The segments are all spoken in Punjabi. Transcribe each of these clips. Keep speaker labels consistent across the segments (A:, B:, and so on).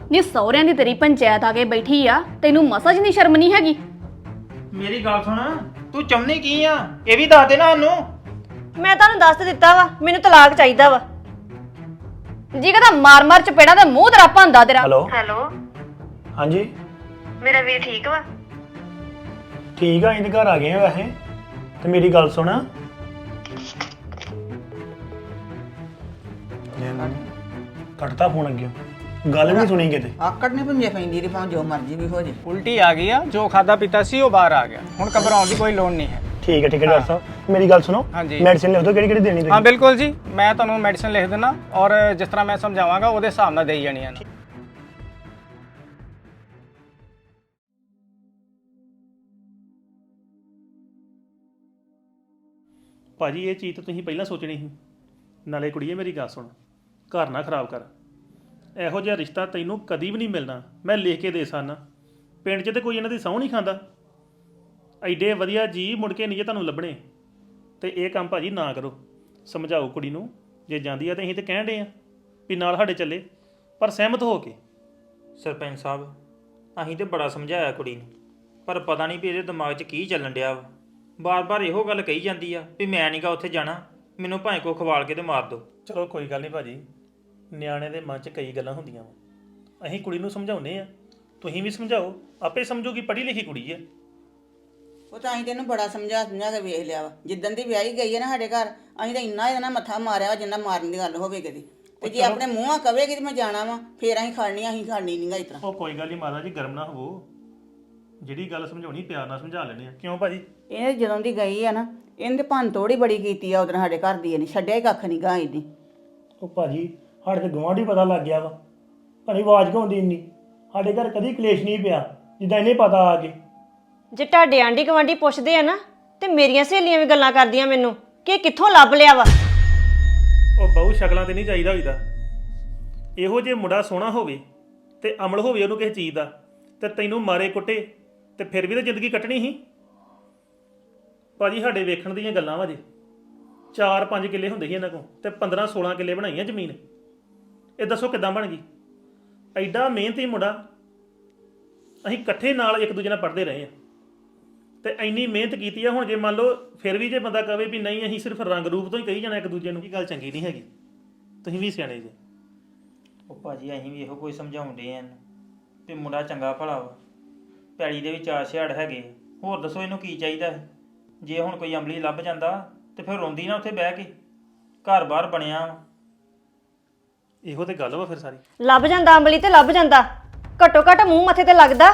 A: ਨੀ ਸਹੁਰਿਆਂ ਦੀ ਤੇਰੀ ਪੰਚਾਇਤ ਆ ਕੇ ਬੈਠੀ ਆ, ਤੈਨੂੰ ਮਸਾ ਜ ਨਹੀਂ ਸ਼ਰਮ ਨਹੀਂ ਹੈਗੀ।
B: ਮੇਰੀ ਗੱਲ ਸੁਣ, ਤੂੰ ਚਾਹੁੰਦੀ ਕੀ ਆ ਇਹ ਵੀ ਦੱਸ ਦੇ ਨਾ ਸਾਨੂੰ।
C: ਮੈਂ ਤੁਹਾਨੂੰ ਦੱਸ ਦਿੱਤਾ ਵਾ, ਮੈਨੂੰ ਤਲਾਕ ਚਾਹੀਦਾ ਵਾ।
A: ਜੀ ਕਹਦਾ ਮਾਰ ਮਾਰ ਚਪੇੜਾ ਤੇ ਮੂੰਹ ਤੇਰਾ ਭੰਦਾ ਤੇਰਾ।
D: ਹੈਲੋ
C: ਹੈਲੋ,
D: ਹਾਂਜੀ
C: ਮੇਰਾ ਵੀਰ ਠੀਕ ਵਾ?
D: ਠੀਕ ਆ, ਇਹਦੇ ਘਰ ਆ ਗਏ ਆ ਵੈਸੇ। ਤੇ ਮੇਰੀ ਗੱਲ ਸੁਣ, ਕੱਟਤਾ ਫੋਨ ਅੱਗੇ, ਗੱਲ ਵੀ ਨਹੀਂ ਸੁਣੀ ਕਿਤੇ।
E: ਆਕੜ ਨੇ ਭੁੰਜੇ ਪੈਂਦੀ ਦੀ ਭਾਵੇਂ ਜੋ ਮਰਜ਼ੀ ਵੀ ਹੋ ਜੇ।
B: ਉਲਟੀ ਆ ਗਈ ਆ, ਜੋ ਖਾਦਾ ਪੀਤਾ ਸੀ ਉਹ ਬਾਹਰ ਆ ਗਿਆ। ਹੁਣ ਘਬਰਾਉਣ ਦੀ ਕੋਈ ਲੋੜ ਨਹੀਂ ਹੈ।
D: ਠੀਕ ਹੈ ਡਾਕਟਰ ਸਾਹਿਬ, ਮੇਰੀ ਗੱਲ ਸੁਣੋ,
B: ਹਾਂਜੀ।
D: ਮੈਡੀਸਿਨ ਲਿਖ ਦਿਓ ਕਿਹੜੀ ਕਿਹੜੀ ਦੇਣੀ
B: ਹਾਂ
D: ਤੁਸੀਂ।
B: ਬਿਲਕੁਲ ਜੀ, ਮੈਂ ਤੁਹਾਨੂੰ ਮੈਡੀਸਿਨ ਲਿਖ ਦਿੰਦਾ ਔਰ ਜਿਸ ਤਰ੍ਹਾਂ ਮੈਂ ਸਮਝਾਵਾਂਗਾ ਉਹਦੇ ਹਿਸਾਬ ਨਾਲ ਦੇਈ ਜਾਣੀਆਂ ਨੇ।
F: ਭਾਜੀ ਇਹ ਚੀਜ਼ ਤਾਂ ਤੁਸੀਂ ਪਹਿਲਾਂ ਸੋਚਣੀ ਸੀ। ਨਾਲੇ ਕੁੜੀਏ ਮੇਰੀ ਗੱਲ ਸੁਣ, ਘਰ ਨਾ ਖਰਾਬ ਕਰ। ਇਹੋ ਜਿਹਾ ਰਿਸ਼ਤਾ ਤੈਨੂੰ ਕਦੀ ਵੀ ਨਹੀਂ ਮਿਲਣਾ, ਮੈਂ ਲਿਖ ਕੇ ਦੇ ਸਕਦਾ। ਪਿੰਡ 'ਚ ਤੇ ਕੋਈ ਇਹਨਾਂ ਦੀ ਸਹੁੰ ਨਹੀਂ ਖਾਂਦਾ। ਐਡੇ ਵਧੀਆ ਜੀ ਮੁੜ ਕੇ ਨਹੀਂ ਜੇ ਤੁਹਾਨੂੰ ਲੱਭਣੇ। ਤੇ ਇਹ ਕੰਮ ਭਾਜੀ ਨਾ ਕਰੋ। ਸਮਝਾਓ ਕੁੜੀ ਨੂੰ, ਜੇ ਜਾਂਦੀ ਆ ਤਾਂ ਅਸੀਂ ਤੇ ਕਹਿਣ ਡੇ ਆ ਵੀ ਨਾਲ ਸਾਡੇ ਚੱਲੇ, ਪਰ ਸਹਿਮਤ ਹੋ ਕੇ।
G: ਸਰਪੰਚ ਸਾਹਿਬ, ਅਸੀਂ ਤੇ ਬੜਾ ਸਮਝਾਇਆ ਕੁੜੀ ਨੂੰ, ਪਰ ਪਤਾ ਨਹੀਂ ਵੀ ਇਹਦੇ ਦਿਮਾਗ 'ਚ ਕੀ ਚੱਲਣ ਡਿਆ ਵਾ। ਬਾਰ-ਬਾਰ ਇਹੋ ਗੱਲ ਕਹੀ ਜਾਂਦੀ ਆ ਵੀ ਮੈਂ ਨਹੀਂਗਾ ਉੱਥੇ ਜਾਣਾ, ਮੈਨੂੰ ਭਾਵੇਂ ਕੋ ਖਵਾਲ ਕੇ ਤੇ ਮਾਰ ਦਿਓ।
F: ਚਲੋ ਕੋਈ ਗੱਲ ਨਹੀਂ ਭਾਜੀ, ਨਿਆਣੇ ਦੇ ਮਨ 'ਚ ਕਈ ਗੱਲਾਂ ਹੁੰਦੀਆਂ ਵਾ। ਅਸੀਂ ਕੁੜੀ ਨੂੰ ਸਮਝਾਉਂਦੇ ਆ, ਤੁਸੀਂ ਵੀ ਸਮਝਾਓ, ਆਪੇ ਸਮਝੂਗੀ। ਪੜ੍ਹੀ ਲਿਖੀ ਕੁੜੀ ਆ।
E: ਉਹ ਤਾਂ ਅਸੀਂ ਤੈਨੂੰ ਬੜਾ ਸਮਝਾ ਕੇ ਵੇਖ ਲਿਆ ਵਾ। ਜਿੱਦਣ ਦੀ ਵਿਆਹੀ ਗਈ ਹੈ ਨਾ ਸਾਡੇ ਘਰ, ਅਸੀਂ ਤਾਂ ਇੰਨਾ ਇਹਦਾ ਮੱਥਾ ਮਾਰਿਆ ਵਾ ਜਿੰਨਾ ਮਾਰਨ ਦੀ ਗੱਲ ਹੋਵੇ ਕਦੀ। ਤੇ ਜੇ ਆਪਣੇ ਮੂੰਹਾਂ ਕਵੇਗੀ ਤੇ ਮੈਂ ਜਾਣਾ ਵਾ, ਫੇਰ ਅਸੀਂ ਖੜਨੀ ਨਹੀਂਗਾ ਇਸ ਤਰ੍ਹਾਂ।
F: ਉਹ ਕੋਈ ਗੱਲ ਨਹੀਂ ਮਾਤਾ ਜੀ, ਗਰਮ ਨਾ ਹੋਵੋ। ਜਿਹੜੀ ਗੱਲ ਸਮਝਾਉਣੀ ਪਿਆਰ ਨਾਲ ਸਮਝਾ ਲੈਣੇ ਆ। ਕਿਉਂ ਭਾਜੀ?
E: ਇਹਨੇ ਜਦੋਂ ਦੀ ਗਈ ਆ ਨਾ, ਇਹਨੇ ਭੰਨ ਤੋੜ ਹੀ ਬੜੀ ਕੀਤੀ ਆ। ਉਦੋਂ ਸਾਡੇ ਘਰ ਦੀ ਇਹਨੇ ਛੱਡਿਆ ਹੀ ਕੱਖ ਨਹੀਂ ਗਾ ਇਹਦੀ।
D: ਉਹ ਭਾਜੀ ਸਾਡੇ ਤੇ ਗਵਾਂਢੀ ਪਤਾ ਲੱਗ ਗਿਆ ਵਾ, ਭਾਜੀ ਆਵਾਜ਼ ਕਿਉਂ ਆਉਂਦੀ ਇੰਨੀ। ਸਾਡੇ ਘਰ ਕਦੀ ਕਲੇਸ਼ ਨਹੀਂ ਪਿਆ ਜਿੱਦਾਂ ਇਹਨੇ ਪਤਾ ਆ ਕੇ।
C: ਜੇ ਤੁਹਾਡੇ ਆਂਢੀ ਗੁਆਂਢੀ ਪੁੱਛਦੇ ਆ ਨਾ, ਤੇ ਮੇਰੀਆਂ ਸਹੇਲੀਆਂ ਵੀ ਗੱਲਾਂ ਕਰਦੀਆਂ ਮੈਨੂੰ ਕਿ ਇਹ ਕਿੱਥੋਂ ਲੱਭ ਲਿਆ ਵਾ।
F: ਉਹ ਬਹੁ ਸ਼ਕਲਾਂ ਤੇ ਨਹੀਂ ਚਾਹੀਦਾ ਹੋਈਦਾ। ਇਹੋ ਜੇ ਮੁੰਡਾ ਸੋਹਣਾ ਹੋਵੇ ਤੇ ਅਮਲ ਹੋਵੇ ਉਹਨੂੰ ਕਿਸੇ ਚੀਜ਼ ਦਾ, ਤੇ ਤੈਨੂੰ ਮਾਰੇ ਕੁੱਟੇ ਤੇ ਫਿਰ ਵੀ ਤਾਂ ਜ਼ਿੰਦਗੀ ਕੱਟਣੀ ਸੀ। ਭਾਜੀ ਸਾਡੇ ਵੇਖਣ ਦੀਆਂ ਗੱਲਾਂ ਵਾ ਜੇ 4-5 ਕਿੱਲੇ ਹੁੰਦੇ ਸੀ ਇਹਨਾਂ ਕੋਲ, ਤੇ 15-16 ਕਿੱਲੇ ਬਣਾਈਆਂ ਜ਼ਮੀਨ। ਇਹ ਦੱਸੋ ਕਿੱਦਾਂ ਬਣ ਗਈ? ਐਡਾ ਮਿਹਨਤੀ ਮੁੰਡਾ, ਅਸੀਂ ਇਕੱਠੇ ਨਾਲ ਇੱਕ ਦੂਜੇ ਨਾਲ ਪੜ੍ਹਦੇ ਰਹੇ ਆ, ਤੇ ਇੰਨੀ ਮਿਹਨਤ ਕੀਤੀ ਆ। ਹੁਣ ਜੇ ਮੰਨ ਲਓ ਫਿਰ ਵੀ ਜੇ ਬੰਦਾ ਕਵੇ ਵੀ ਨਹੀਂ ਅਸੀਂ ਸਿਰਫ ਰੰਗ ਰੂਪ ਤੋਂ ਹੀ ਕਹੀ ਜਾਣਾ ਇੱਕ ਦੂਜੇ ਨੂੰ, ਇਹ ਗੱਲ ਚੰਗੀ ਨਹੀਂ ਹੈਗੀ। ਤੁਸੀਂ ਵੀ ਸਿਆਣੇ ਜੇ।
G: ਉਹ ਭਾਜੀ ਅਸੀਂ ਵੀ ਇਹੋ ਕੋਈ ਸਮਝਾਉਂਦੇ ਆਂ ਵੀ ਮੁੰਡਾ ਚੰਗਾ ਭਲਾ ਵਾ, ਪੈਲੀ ਦੇ ਵੀ 4 ਛਿਆੜ ਹੈਗੇ। ਹੋਰ ਦੱਸੋ ਇਹਨੂੰ ਕੀ ਚਾਹੀਦਾ ਹੈ? ਜੇ ਹੁਣ ਕੋਈ ਅਮਲੀ ਲੱਭ ਜਾਂਦਾ ਤੇ ਫਿਰ ਰੋਂਦੀ ਨਾ ਉੱਥੇ ਬਹਿ ਕੇ। ਘਰ-ਬਾਰ ਬਣਿਆ ਵਾ।
F: ਇਹੋ ਤੇ ਗੱਲ ਵਾ ਫਿਰ ਸਾਰੀ।
C: ਲੱਭ ਜਾਂਦਾ ਅੰਬਲੀ ਤੇ ਲੱਭ ਜਾਂਦਾ, ਘੱਟੋ ਘੱਟ ਮੂੰਹ ਮੱਥੇ ਤੇ ਲੱਗਦਾ।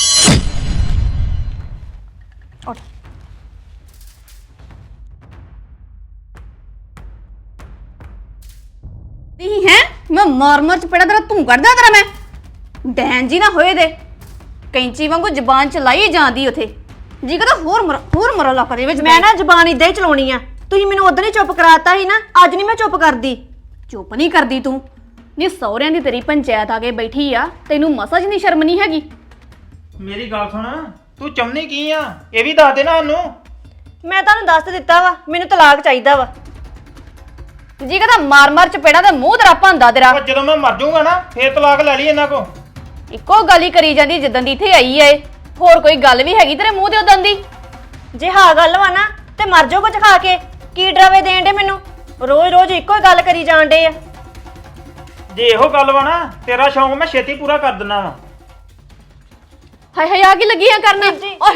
A: ਨਹੀਂ ਹੈ ਮੈਂ ਮਾਰ ਮਾਰ ਚਪੇੜਾ ਤੇਰਾ ਤੂੰ ਕੱਢਦਾ ਤੇਰਾ। ਮੈਂ ਡੈਨ ਜੀ ਨਾ ਹੋਏ ਦੇ ਕੈਂਚੀ ਵਾਂਗੂ ਜ਼ਬਾਨ ਚਲਾਈ ਜਾਂਦੀ ਉਥੇ। ਜੀ ਕਹਦਾ ਹੋਰ ਮਰਾ ਲੱਕ ਦੇ ਵਿੱਚ।
C: ਮੈਂ ਨਾ ਜ਼ਬਾਨ ਇਦਾਂ ਹੀ ਚਲਾਉਣੀ ਆ। ਤੁਸੀਂ ਮੈਨੂੰ ਉਦੋਂ ਹੀ ਚੁੱਪ ਕਰਾਤਾ ਸੀ ਨਾ, ਅੱਜ ਨਹੀਂ ਮੈਂ ਚੁੱਪ ਕਰਦੀ।
A: ਚੁੱਪ ਨਹੀਂ ਕਰਦੀ ਤੂੰ। ਨੀ ਸਹੁਰਿਆਂ ਦੀ ਤੇਰੀ ਪੰਚਾਇਤ ਆ ਕੇ ਬੈਠੀ ਆ, ਤੈਨੂੰ ਮਸਾ ਜ ਨਹੀਂ ਸ਼ਰਮ ਨਹੀਂ ਹੈਗੀ।
B: ਮੇਰੀ ਗੱਲ ਸੁਣ, ਤੂੰ ਚਾਹੁੰਦੀ ਕੀ ਆ ਇਹ ਵੀ ਦੱਸ ਦੇ ਨਾ ਸਾਨੂੰ।
C: ਮੈਂ ਤੁਹਾਨੂੰ ਦੱਸ ਦਿੱਤਾ ਵਾ, ਮੈਨੂੰ ਤਲਾਕ ਚਾਹੀਦਾ ਵਾ।
A: ਜੀ ਕਹਦਾ ਮਾਰ ਮਾਰ ਚਪੇੜਾ ਤੇ ਮੂੰਹ ਤੇਰਾ ਭੰਦਾ ਤੇਰਾ।
B: ਉਹ ਜਦੋਂ ਮੈਂ ਮਰ ਜਾਊਂਗਾ ਨਾ ਫੇਰ ਤਲਾਕ ਲੈ ਲਈ ਇਹਨਾਂ ਕੋ।
A: ਇੱਕੋ ਗੱਲ ਹੀ ਕਰੀ ਜਾਂਦੀ ਜਿੱਦਣ ਦੀ ਇੱਥੇ ਆਈ ਏ। ਹੋਰ ਕੋਈ ਗੱਲ ਵੀ ਹੈਗੀ ਤੇਰੇ ਮੂੰਹ ਤੇ ਉਦੋਂ ਦੀ?
C: ਜੇ ਹਾਂ ਗੱਲ ਵਾ ਨਾ ਤੇ ਮਰ ਜਾਓ ਕੁਝ ਖਾ ਕੇ। ਕੀ ਡਰਾਵੇ ਦੇਣ ਡੇ ਮੈਨੂੰ? ਰੋਜ਼ ਇੱਕੋ ਹੀ ਗੱਲ ਕਰੀ ਜਾਣ ਡੇ ਆ।
B: ਜੇ ਇਹੋ ਗੱਲ ਵਾ ਨਾ, ਤੇਰਾ ਸ਼ੌਂਕ ਮੈਂ ਛੇਤੀ ਪੂਰਾ ਕਰ ਦਿੰਦਾ ਵਾ।
A: ਹਾਏ ਹਾਏ ਆ ਕੀ ਲੱਗੀਆਂ ਕਰਨ? ਓਏ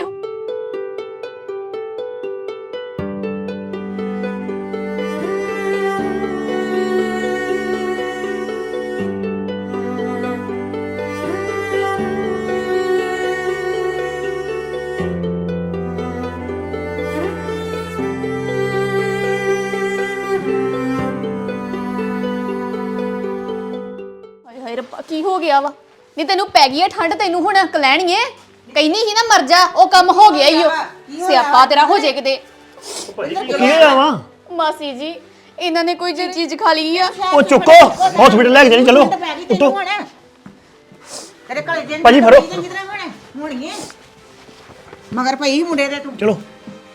A: ਹਾਏ ਰੱਬਾ ਕੀ ਹੋ ਗਿਆ ਵਾ? ਨਹੀਂ ਤੈਨੂੰ ਪੈ ਗਈ ਹੈ ਠੰਡ, ਤੈਨੂੰ ਹੁਣ ਕਲੈਣੀਏ। ਕਹਿੰਦੀ ਸੀ ਨਾ ਮਰ ਜਾ, ਉਹ ਕੰਮ ਹੋ ਗਿਆ ਈ ਓ। ਸਿਆਪਾ ਤੇਰਾ ਹੋ ਜੇ ਕਿਤੇ।
D: ਕੀ ਹੋਇਆ ਵਾ?
A: ਮਾਸੀ ਜੀ ਇਹਨਾਂ ਨੇ ਕੋਈ ਚੀਜ਼ ਖਾ ਲਈ ਆ।
D: ਉਹ ਚੁੱਕੋ, ਹਸਪੀਟਲ ਲੈ ਕੇ ਜਾਣੀ, ਚਲੋ ਉੱਤੋਂ।
E: ਤੇਰੇ ਕੋਲ ਜਿੰਦ
D: ਭਾਜੀ ਫੜੋ।
E: ਹੋਣੀ ਮਗਰ ਪਈ ਮੁੰਡੇ ਦੇ ਤੂੰ।
D: ਚਲੋ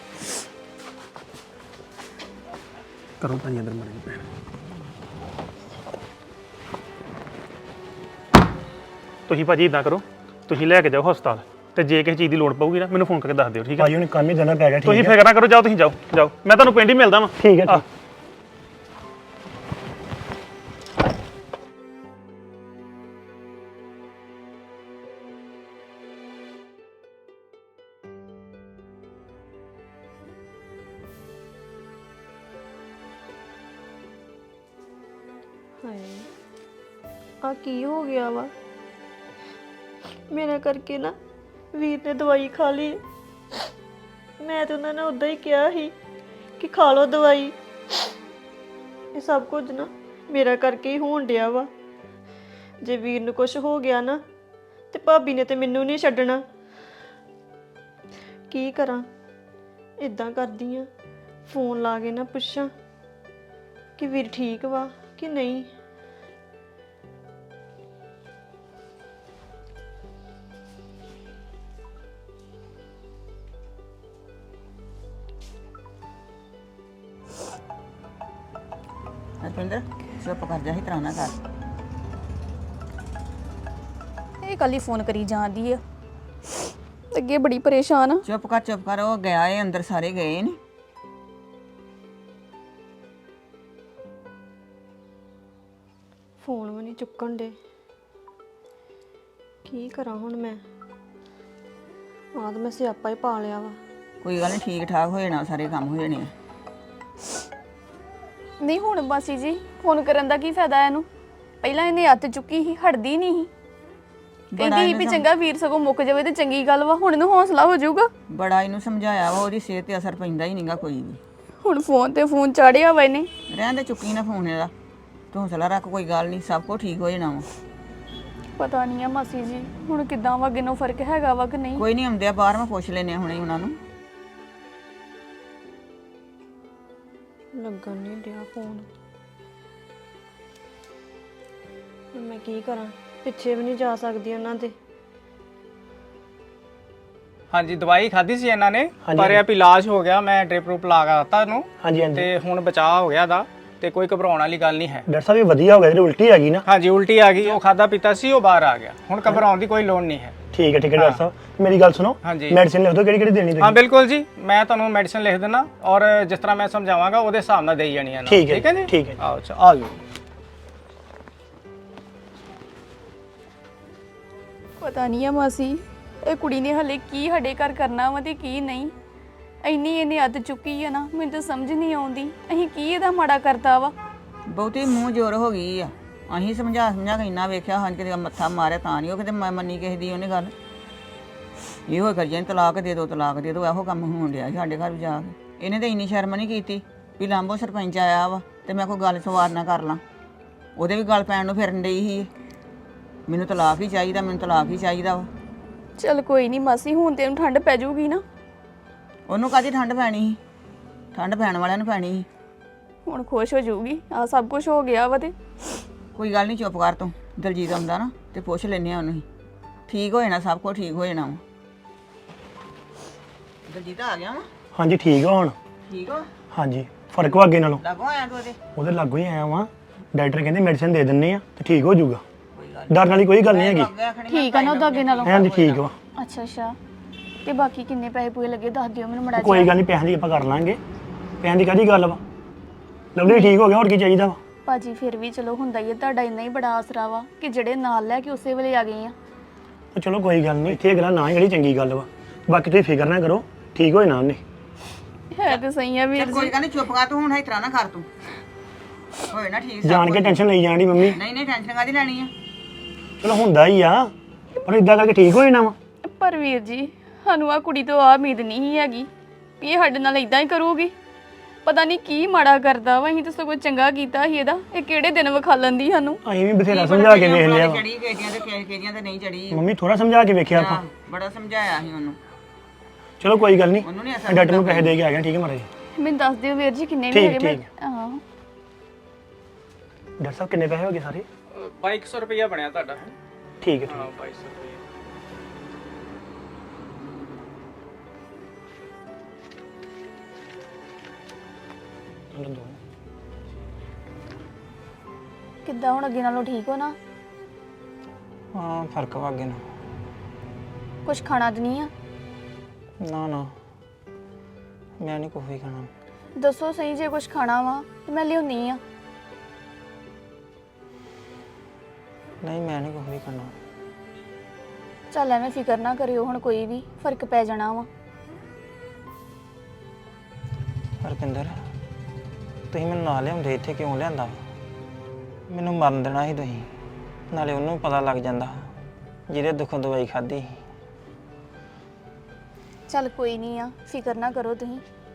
D: ਕਰੋ ਭਾਜੀ ਅੰਦਰ ਮਰ
F: ਤੁਸੀਂ ਭਾਜੀ ਇਦਾਂ ਕਰੋ, ਤੁਸੀਂ ਲੈ ਕੇ ਜਾਓ ਹਸਪਤਾਲ, ਤੇ ਜੇ ਕਿਸੇ ਚੀਜ਼ ਦੀ ਲੋੜ ਪਊਗੀ ਨਾ ਮੈਨੂੰ ਫੋਨ ਕਰਕੇ ਦੱਸ ਦਿਓ, ਠੀਕ ਹੈ?
D: ਭਾਜੀ ਹੁਣ ਕੰਮ ਹੀ ਦੇਣਾ ਪੈ ਗਿਆ।
F: ਤੁਸੀਂ
D: ਠੀਕ ਹੈ
F: ਫਿਕਰ ਨਾ ਕਰੋ, ਜਾਓ ਤੁਸੀਂ ਜਾਓ ਜਾਓ, ਮੈਂ ਤੁਹਾਨੂੰ ਪਿੰਡ ਹੀ ਮਿਲਦਾ ਵਾਂ।
D: ਠੀਕ ਹੈ
F: ਆਹ।
D: ਠੀਕ।
C: ਹਾਏ ਆ ਕੀ ਹੋ ਗਿਆ ਵਾ ਮੇਰਾ ਕਰਕੇ ਨਾ ਵੀਰ ਨੇ ਦਵਾਈ ਖਾ ਲਈ। ਮੈਂ ਤੇ ਉਹਨਾਂ ਨੇ ਉਦਾਂ ਹੀ ਕਿਹਾ ਸੀ ਕਿ ਖਾ ਲਓ ਦਵਾਈ। ਇਹ ਸਭ ਕੁਝ ਨਾ ਮੇਰਾ ਕਰਕੇ ਹੀ ਹੋਣ ਡਿਆ ਵਾ। ਜੇ ਵੀਰ ਨੂੰ ਕੁਝ ਹੋ ਗਿਆ ਨਾ ਤੇ ਭਾਬੀ ਨੇ ਤੇ ਮੈਨੂੰ ਨਹੀਂ ਛੱਡਣਾ। ਕੀ ਕਰਾਂ? ਇਦਾਂ ਕਰਦੀ ਆ, ਫੋਨ ਲਾ ਕੇ ਨਾ ਪੁੱਛਾਂ ਕਿ ਵੀਰ ਠੀਕ ਵਾ ਕਿ ਨਹੀਂ।
E: ਰਪਿੰਦਰ ਚੁੱਪ ਕਰ ਜਾ, ਇਸ ਤਰ੍ਹਾਂ ਨਾ ਕਰ।
A: ਇਹ ਕੱਲ ਹੀ ਫੋਨ ਕਰੀ ਜਾਂਦੀ ਆ, ਅੱਗੇ ਬੜੀ ਪਰੇਸ਼ਾਨ ਆ।
E: ਚੁੱਪ ਕਰ, ਉਹ ਗਿਆ ਏ ਅੰਦਰ, ਸਾਰੇ ਗਏ ਨੇ।
C: ਫੋਨ ਵੀ ਨਹੀਂ ਚੁੱਕਣ ਦੇ। ਕੀ ਕਰਾਂ ਹੁਣ ਮੈਂ? ਆਦ ਮੈਂ ਸਿਆਪਾ ਹੀ ਪਾ ਲਿਆ ਵਾ।
E: ਕੋਈ ਗੱਲ ਨਹੀਂ, ਠੀਕ ਠਾਕ ਹੋ ਜਾਣਾ, ਸਾਰੇ ਕੰਮ ਹੋ ਜਾਣੇ ਆ।
A: ਨਹੀਂ ਹੁਣ ਮਾਸੀ ਜੀ ਫੋਨ ਕਰਨ ਦਾ ਕੀ ਫਾਇਦਾ ਇਹਨੂੰ? ਪਹਿਲਾਂ ਇਹਨੇ ਹੱਥ ਚੁੱਕੀ ਸੀ, ਹਟਦੀ ਨਹੀਂ ਸੀ। ਕਹਿੰਦੀ ਸੀ ਵੀ ਚੰਗਾ ਵੀਰ ਸਗੋਂ ਮੁੱਕ ਜਾਵੇ ਤੇ ਚੰਗੀ ਗੱਲ ਵਾ, ਹੁਣ ਇਹਨੂੰ ਹੌਸਲਾ ਹੋ ਜਾਊਗਾ।
E: ਬੜਾ ਇਹਨੂੰ ਸਮਝਾਇਆ ਵਾ, ਉਹਦੀ ਸਿਹਤ ਤੇ ਅਸਰ ਪੈਂਦਾ ਹੀ ਨਹੀਂਗਾ ਕੋਈ ਵੀ।
A: ਹੁਣ ਫੋਨ ਤੇ ਫੋਨ ਚਾੜਿਆ ਵਾ ਇਹਨੇ।
E: ਰਹਿਣ ਦੇ, ਚੁੱਕੀ ਨਾ ਫੋਨ ਇਹਦਾ, ਤੂੰ ਹੌਸਲਾ ਰੱਖ, ਕੋਈ ਗੱਲ ਨਹੀਂ, ਸਭ ਕੁਝ ਠੀਕ ਹੋ ਜਾਣਾ ਵਾ।
A: ਪਤਾ ਨਹੀਂ ਆ ਮਾਸੀ ਜੀ ਹੁਣ ਕਿੱਦਾਂ ਵਾ, ਅੱਗੇ ਨੂੰ ਫਰਕ ਹੈਗਾ ਵਾ ਕਿ ਨਹੀਂ।
E: ਕੋਈ ਨਹੀਂ, ਆਉਂਦੇ ਆ ਬਾਹਰ, ਮੈਂ ਪੁੱਛ ਲੈਨੇ ਆ ਹੁਣੇ ਉਹਨਾਂ ਨੂੰ।
C: ਲੱਗਣ ਨਹੀਂ ਡਿਆ ਫੋਨ। ਹੁਣ ਮੈਂ ਕੀ ਕਰਾਂ? ਪਿੱਛੇ ਵੀ ਨਹੀਂ ਜਾ ਸਕਦੀ ਉਹਨਾਂ ਦੇ।
B: ਹਾਂਜੀ ਦਵਾਈ ਖਾਧੀ ਸੀ ਇਹਨਾਂ ਨੇ,
D: ਹਾਂਜੀ,
B: ਪਰ ਇਹ ਵੀ ਇਲਾਜ ਹੋ ਗਿਆ, ਮੈਂ ਡ੍ਰਿਪ ਰੂਪ ਲਾ ਕੇ ਦਿੱਤਾ ਇਹਨੂੰ,
D: ਹਾਂਜੀ ਹਾਂਜੀ।
B: ਤੇ ਹੁਣ ਬਚਾਅ ਹੋ ਗਿਆ ਦਾ, ਤੇ ਕੋਈ ਘਬਰਾਉਣ ਵਾਲੀ ਗੱਲ ਨਹੀਂ ਹੈ।
D: ਡਾਕਟਰ ਸਾਹਿਬ ਇਹ ਵਧੀਆ ਹੋ ਗਿਆ, ਜਿਹੜੀ ਉਲਟੀ ਆ ਗਈ ਨਾ।
B: ਹਾਂਜੀ ਉਲਟੀ ਆ ਗਈ, ਉਹ ਖਾਦਾ ਪੀਤਾ ਸੀ, ਉਹ ਬਾਹਰ ਆ ਗਿਆ, ਹੁਣ ਘਬਰਾਉਣ ਦੀ ਕੋਈ ਲੋੜ ਨਹੀਂ ਹੈ।
D: ਠੀਕ ਹੈ ਡਾਕਟਰ ਸਾਹਿਬ, ਮੇਰੀ ਗੱਲ ਸੁਣੋ।
B: ਹਾਂਜੀ।
D: ਮੈਡੀਸਿਨ ਲਿਖ ਦਿਓ, ਕਿਹੜੀ ਕਿਹੜੀ ਦੇਣੀ
B: ਹਾਂ
D: ਤੁਸੀਂ।
B: ਬਿਲਕੁਲ ਜੀ, ਮੈਂ ਤੁਹਾਨੂੰ ਮੈਡੀਸਿਨ ਲਿਖ ਦਿੰਦਾ, ਔਰ ਜਿਸ ਤਰ੍ਹਾਂ ਮੈਂ ਸਮਝਾਵਾਂਗਾ ਉਹਦੇ ਹਿਸਾਬ ਨਾਲ ਦੇਈ ਜਾਣੀ ਹੈ।
D: ਠੀਕ ਹੈ
B: ਜੀ,
D: ਠੀਕ ਹੈ।
B: ਆਓ ਅੱਛਾ ਆ ਜਾਓ।
A: ਪਤਾ ਨਹੀਂ ਆ ਮਾਸੀ ਇਹ ਕੁੜੀ ਨੇ ਹਲੇ ਕੀ ਸਾਡੇ ਘਰ ਕਰਨਾ ਵਾ ਤੇ ਕੀ ਨਹੀਂ। ਇੰਨੀ ਇਹਨੇ ਹੱਥ ਚੁੱਕੀ ਆ ਨਾ, ਮੈਨੂੰ ਤਾਂ ਸਮਝ ਨਹੀਂ ਆਉਂਦੀ ਅਸੀਂ ਕੀ ਇਹਦਾ ਮਾੜਾ ਕਰਤਾ ਵਾ।
E: ਬਹੁਤੀ ਮੂੰਹ ਜ਼ੋਰ ਹੋ ਗਈ ਆ। ਅਸੀਂ ਸਮਝਾ ਕੇ ਇੰਨਾ ਵੇਖਿਆ, ਹਾਂ ਕਿਤੇ ਮੱਥਾ ਮਾਰਿਆ ਤਾਂ ਨਹੀਂ ਉਹ ਕਿਤੇ ਮੰਨੀ ਕਿਸੇ ਦੀ ਉਹਨੇ ਗੱਲ। ਇਹੋ ਕਰੀ ਜਾਂਦੀ, ਤਲਾਕ ਦੇ ਦਿਓ, ਤਲਾਕ ਦੇ ਦਿਓ, ਇਹੋ ਕੰਮ ਹੋਣ ਡਿਆ ਸਾਡੇ ਘਰ ਵੀ ਜਾ ਕੇ। ਇਹਨੇ ਤਾਂ ਇੰਨੀ ਸ਼ਰਮ ਨਹੀਂ ਕੀਤੀ ਵੀ ਲਾਂਭੋ ਸਰਪੰਚ ਆਇਆ ਵਾ ਤੇ ਮੈਂ ਕੋਈ ਗੱਲ ਸਵਾਰ ਨਾ ਕਰ ਲਾਂ। ਉਹਦੇ ਵੀ ਗੱਲ ਪੈਣ ਨੂੰ ਫਿਰਨ ਡਈ ਸੀ, ਮੈਨੂੰ ਤਲਾਕ ਹੀ ਚਾਹੀਦਾ, ਮੈਨੂੰ ਤਲਾਕ ਹੀ ਚਾਹੀਦਾ ਵਾ।
A: ਚਲ ਕੋਈ ਨਹੀਂ ਮਾਸੀ, ਹੁਣ ਤੇ ਇਹਨੂੰ ਠੰਡ ਪੈ ਜਾਊਗੀ ਨਾ।
E: ਉਹਨੂੰ ਕਾਹਦੀ ਠੰਡ ਪੈਣੀ ਸੀ? ਠੰਡ ਪੈਣ ਵਾਲਿਆਂ ਨੂੰ ਪੈਣੀ ਸੀ।
A: ਹੁਣ ਖੁਸ਼ ਹੋ ਜਾਊਗੀ, ਆ ਸਭ ਕੁਝ ਹੋ ਗਿਆ ਵਾ ਤੇ।
E: ਕੋਈ ਗੱਲ ਨਹੀਂ, ਚੁੱਪ ਕਰ ਤੂੰ। ਦਲਜੀਤ ਆਉਂਦਾ ਨਾ ਤੇ ਪੁੱਛ ਲੈਨੇ ਆ ਉਹਨੂੰ ਹੀ, ਠੀਕ ਹੋ ਜਾਣਾ, ਸਭ ਕੁਝ ਠੀਕ ਹੋ ਜਾਣਾ ਵਾ। ਦਲਜੀਤ ਆ ਗਿਆ ਵਾ?
D: ਹਾਂਜੀ ਠੀਕ ਹੋ ਹੁਣ?
E: ਠੀਕ ਹੋ?
D: ਹਾਂਜੀ ਫਰਕ ਵਾ ਅੱਗੇ ਨਾਲੋਂ।
E: ਲੱਗੋ ਆਇਆ ਤੂੰ
D: ਉਹਦੇ ਲਾਗੋਂ ਹੀ ਆਇਆ ਵਾਂ। ਡਾਕਟਰ ਕਹਿੰਦੇ ਮੈਡੀਸਿਨ ਦੇ ਦਿੰਨੇ ਆ ਤੇ ਠੀਕ ਹੋ ਜਾਊਗਾ। ਡਰਨ ਵਾਲੀ ਕੋਈ ਗੱਲ ਨਹੀਂ ਹੈਗੀ।
A: ਠੀਕ ਆ ਨਾ ਉਹਦਾ ਅੱਗੇ ਨਾਲੋਂ?
D: ਹਾਂਜੀ ਠੀਕ ਵਾ।
A: ਅੱਛਾ ਅੱਛਾ, ਤੇ ਬਾਕੀ ਕਿੰਨੇ ਪੈਸੇ ਪੂਏ ਲੱਗੇ ਦੱਸ ਦਿਓ ਮੈਨੂੰ ਮੜਾ।
D: ਕੋਈ ਗੱਲ ਨਹੀਂ, ਪੈਸਿਆਂ ਦੀ ਆਪਾਂ ਕਰ ਲਾਂਗੇ। ਪੈਸਿਆਂ ਦੀ ਕਾਹਦੀ ਗੱਲ ਵਾ? ਲਵਲੀ ਠੀਕ ਹੋ ਗਿਆ, ਹੋਰ ਕੀ ਚਾਹੀਦਾ ਵਾ?
A: ਭਾਜੀ ਫਿਰ ਵੀ ਚਲੋ ਹੁੰਦਾ ਹੀ ਹੈ, ਤੁਹਾਡਾ ਇੰਨਾ ਹੀ ਬੜਾ ਆਸਰਾ ਵਾ ਕਿ ਜਿਹੜੇ ਨਾਲ ਲੈ ਕੇ ਉਸੇ ਵੇਲੇ ਆ ਗਏ ਆ।
D: ਉਹ ਚਲੋ ਕੋਈ ਗੱਲ ਨਹੀਂ, ਇੱਥੇ ਅਗਲਾ ਨਾ ਹੀ ਜਿਹੜੀ ਚੰਗੀ ਗੱਲ ਵਾ। ਬਾਕੀ ਤੁਸੀਂ ਫਿਕਰ ਨਾ ਕਰੋ, ਠੀਕ ਹੋਏ ਨਾ ਉਹਨੇ।
A: ਹੈ ਤੇ ਸਹੀ ਆ ਵੀਰ
E: ਕੋਈ
A: ਜੀ।
E: ਗੱਲ ਨਹੀਂ, ਚੁੱਪ ਕਰ ਤੂੰ, ਹੁਣ ਇਸ ਤਰ੍ਹਾਂ ਨਾ ਕਰ ਤੂੰ। ਹੋਏ ਨਾ ਠੀਕ।
D: ਜਾਣ ਕੇ ਟੈਨਸ਼ਨ ਲਈ ਜਾਣੀ ਮੰਮੀ।
E: ਨਹੀਂ ਟੈਨਸ਼ਨ ਕਾਹਦੀ ਲੈਣੀ ਆ?
D: ਚਲੋ ਹੁੰਦਾ ਹੀ ਆ, ਪਰ ਇਦਾਂ ਕਰਕੇ ਠੀਕ ਹੋ ਜਾਣਾ ਵਾ।
A: ਪਰ ਵੀਰ ਜੀ ਸਾਨੂੰ ਆ ਕੁੜੀ ਤੋਂ ਆ ਉਮੀਦ ਨਹੀਂ ਹੈਗੀ ਵੀ ਇਹ ਸਾਡੇ ਨਾਲ ਇਦਾਂ ਹੀ ਕਰੂਗੀ। ਪਤਾ ਨਹੀਂ ਕੀ ਮਾੜਾ ਕਰਦਾ ਵਾ, ਅਸੀਂ ਤਾਂ ਸਗੋਂ ਚੰਗਾ ਕੀਤਾ ਸੀ ਇਹਦਾ। ਇਹ ਕਿਹੜੇ ਦਿਨ ਵਿਖਾਲਣ ਦੀ ਸਾਨੂੰ।
D: ਅਸੀਂ ਵੀ ਬਥੇਰਾ ਸਮਝਾ ਕੇ ਵੇਖ ਲਿਆ ਵਾ।
E: ਚੜੀ ਕਿਹਦੀਆਂ ਤੇ ਕਿਹਦੀਆਂ ਤੇ ਨਹੀਂ ਚੜੀ।
D: ਮੰਮੀ ਥੋੜਾ ਸਮਝਾ ਕੇ ਵੇਖਿਆ ਆਪਾਂ।
E: ਬੜਾ ਸਮਝਾਇਆ ਸੀ ਉਹਨੂੰ।
D: ਚਲੋ ਕੋਈ ਗੱਲ ਨਹੀਂ,
E: ਉਹਨੂੰ ਨਹੀਂ ਅਸਰ
D: ਡਾਕਟਰ ਨੂੰ ਪੈਸੇ ਦੇ ਕੇ ਆ ਗਿਆ। ਠੀਕ ਹੈ ਮਹਾਰਾਜ।
A: ਮੈਨੂੰ ਦੱਸ ਦਿਓ ਵੀਰ ਜੀ ਕਿੰਨੇ ਵੀ
D: ਠੀਕ,
A: ਹੈਗੇ।
D: ਠੀਕ।
A: ਹਾਂ
D: ਡਾਕਟਰ ਸਾਹਿਬ ਕਿੰਨੇ ਪੈਸੇ ਹੋ ਗਏ ਸਾਰੇ?
B: 2200 ਰੁਪਇਆ ਬਣਿਆ ਤੁਹਾਡਾ।
D: ਠੀਕ ਹੈ
B: ਹਾਂ
D: ਠੀਕ।
B: 2200 ਰੁਪਇਆ।
D: ਚਲੋ ਦੋ।
A: ਕਿੱਦਾਂ ਹੁਣ ਅੱਗੇ ਨਾਲੋਂ ਠੀਕ ਹੋ ਨਾ?
H: ਹਾਂ ਫਰਕ ਵਾ ਅੱਗੇ ਨੂੰ।
A: ਕੁਝ ਖਾਣਾ ਤਾਂ ਨਹੀਂ ਆ?
H: ਨਾ ਨਾ ਮੈਂ ਨਹੀਂ ਕੁਛ ਵੀ ਖਾਣਾ।
A: ਦੱਸੋ ਸਹੀ, ਜੇ ਕੁਝ ਖਾਣਾ ਵਾ ਤੇ ਮੈਂ ਲਿਆਉਣੀ ਆ।
H: ਨਹੀਂ ਮੈਂ ਨਹੀਂ ਕੁਛ ਵੀ ਖਾਣਾ।
A: ਚੱਲ ਐਵੇਂ ਫਿਕਰ ਨਾ ਕਰਿਓ, ਹੁਣ ਕੋਈ ਵੀ ਫਰਕ ਪੈ ਜਾਣਾ ਵਾ।
H: ਹਰਪਿੰਦਰ ਤੁਸੀਂ ਮੈਨੂੰ ਨਾਲ ਲਿਆਉਂਦੇ ਇੱਥੇ ਕਿਉਂ ਲਿਆਂਦਾ? ਮੈਨੂੰ ਮਰਨ ਦੇਣਾ ਸੀ ਤੁਸੀਂ, ਨਾਲੇ ਉਹਨੂੰ ਪਤਾ ਲੱਗ ਜਾਂਦਾ ਜਿਹਦੇ ਦੁੱਖੋਂ ਦਵਾਈ ਖਾਧੀ।
A: ਚੱਲ ਕੋਈ ਨਹੀਂ ਆ, ਫਿਕਰ ਨਾ ਕਰੋ ਤੁਸੀਂ,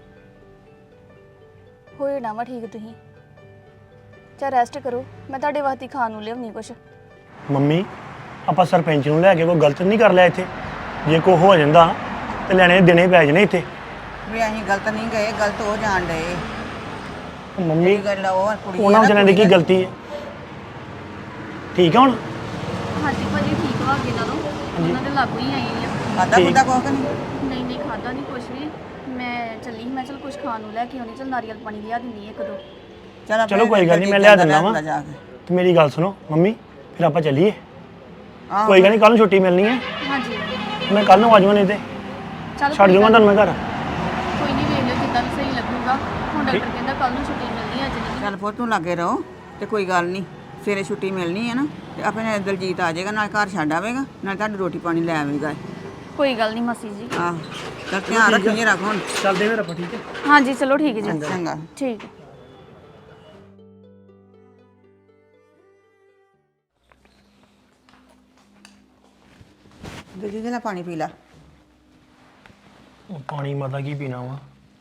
A: ਹੋ ਜਾਣਾ ਵਾ ਠੀਕ ਤੁਸੀਂ। ਚੱਲ ਰੈਸਟ ਕਰੋ, ਮੈਂ ਤੁਹਾਡੇ ਵਾਸਤੇ ਖਾਣ ਨੂੰ ਲਿਆਉਣੀ ਕੁਛ।
D: ਮੰਮੀ ਆਪਾਂ ਸਰਪੰਚ ਨੂੰ ਲੈ ਕੇ ਕੋਈ ਗਲਤ ਨਹੀਂ ਕਰ ਲਿਆ ਇੱਥੇ? ਜੇ ਕੋਈ ਹੋ ਜਾਂਦਾ ਤੇ ਲੈਣੇ ਦਿਨੇ ਪੈ ਜਾਣੇ ਇੱਥੇ।
E: ਵੀ ਅਸੀਂ ਗਲਤ ਨਹੀਂ ਗਏ, ਗਲਤ ਹੋ ਜਾਣ ਡਏ।
D: ਉਹ ਮੰਮੀ
E: ਗੱਲ ਉਹ ਕੁੜੀ
D: ਉਹਨਾਂ ਵਿਚਾਰਿਆਂ ਦੀ ਕੀ ਗਲਤੀ ਹੈ? ਠੀਕ ਆ ਹੁਣ?
A: ਹਾਂਜੀ ਭਾਜੀ ਠੀਕ ਵਾ ਅੱਗੇ ਨਾਲੋਂ, ਉਹਨਾਂ ਦੇ ਲਾਗੂ ਹੀ ਆਈ ਆ।
E: ਖਾਦਾ ਖੁਦਾ ਕੁਛ ਨਹੀਂ?
A: ਨਹੀਂ ਖਾਦਾ ਨਹੀਂ ਕੁਛ ਵੀ। ਮੈਂ ਚੱਲੀ ਸੀ, ਮੈਂ ਚਲ ਕੁਛ ਖਾਣ ਨੂੰ ਲੈ ਕੇ ਆਉਣੀ। ਚਲ ਨਾਰੀਅਲ ਪਾਣੀ ਲਿਆ ਦਿੰਦੀ ਇੱਕ ਦੋ।
D: ਚਲੋ ਕੋਈ ਗੱਲ ਨਹੀਂ, ਮੈਂ ਲਿਆ ਦਿੰਦਾ ਵਾਂ। ਤੇ ਮੇਰੀ ਗੱਲ ਸੁਣੋ ਮੰਮੀ, ਫਿਰ ਆਪਾਂ ਚੱਲੀਏ। ਕੋਈ ਗੱਲ ਨਹੀਂ, ਕੱਲ ਨੂੰ ਛੁੱਟੀ ਮਿਲਣੀ ਹੈ।
A: ਹਾਂਜੀ
D: ਮੈਂ ਕੱਲ ਨੂੰ ਆ ਜਾਵਾਂ, ਨਹੀਂ ਤੇ
A: ਚੱਲ
D: ਛੱਡ ਜਾਵਾਂ ਤੁਹਾਨੂੰ ਮੈਂ ਘਰ।
A: ਕੋਈ ਨਹੀਂ, ਵੇਖ ਲਿਓ ਜਿੱਦਾਂ ਵੀ ਸਹੀ ਲੱਗੂਗਾ। ਹੁਣ ਡਾਕਟਰ ਕਹਿੰਦਾ ਕੱਲ ਨੂੰ ਛੁੱਟੀ ਮਿਲਣੀ, ਅੱਜ ਨਹੀਂ।
E: ਚੱਲ ਪੁੱਤ ਤੂੰ ਲੱਗੇ ਰਹੋ ਤੇ ਕੋਈ ਗੱਲ ਨਹੀਂ, ਸਵੇਰੇ ਛੁੱਟੀ ਮਿਲਣੀ ਹੈ ਨਾ, ਤੇ ਆਪਣੇ ਦਲਜੀਤ ਆ ਜਾਏਗਾ, ਨਾਲ ਘਰ ਛੱਡ ਆਵੇਗਾ, ਨਾਲ ਤੁਹਾਡੀ ਰੋਟੀ ਪਾਣੀ ਲੈ ਆਵੇਗਾ।
A: ਕੋਈ ਗੱਲ ਨਹੀਂ ਮਾਸੀ ਜੀ।
E: ਆਹ ਚੱਲ ਧਿਆਨ ਰੱਖੀ ਜੇ, ਰੱਖ ਹੁਣ।
D: ਚੱਲਦੇ ਫਿਰ ਆਪਾਂ, ਠੀਕ ਹੈ?
A: ਹਾਂਜੀ ਚਲੋ ਠੀਕ ਹੈ ਜੀ।
E: ਚੰਗਾ।
A: ਠੀਕ ਹੈ।
E: ਦਲਜੀਤ ਨਾਲ ਪਾਣੀ ਪੀ ਲਾ।
D: ਉਹ ਪਾਣੀ ਮਾਤਾ ਕੀ ਪੀਣਾ ਵਾ,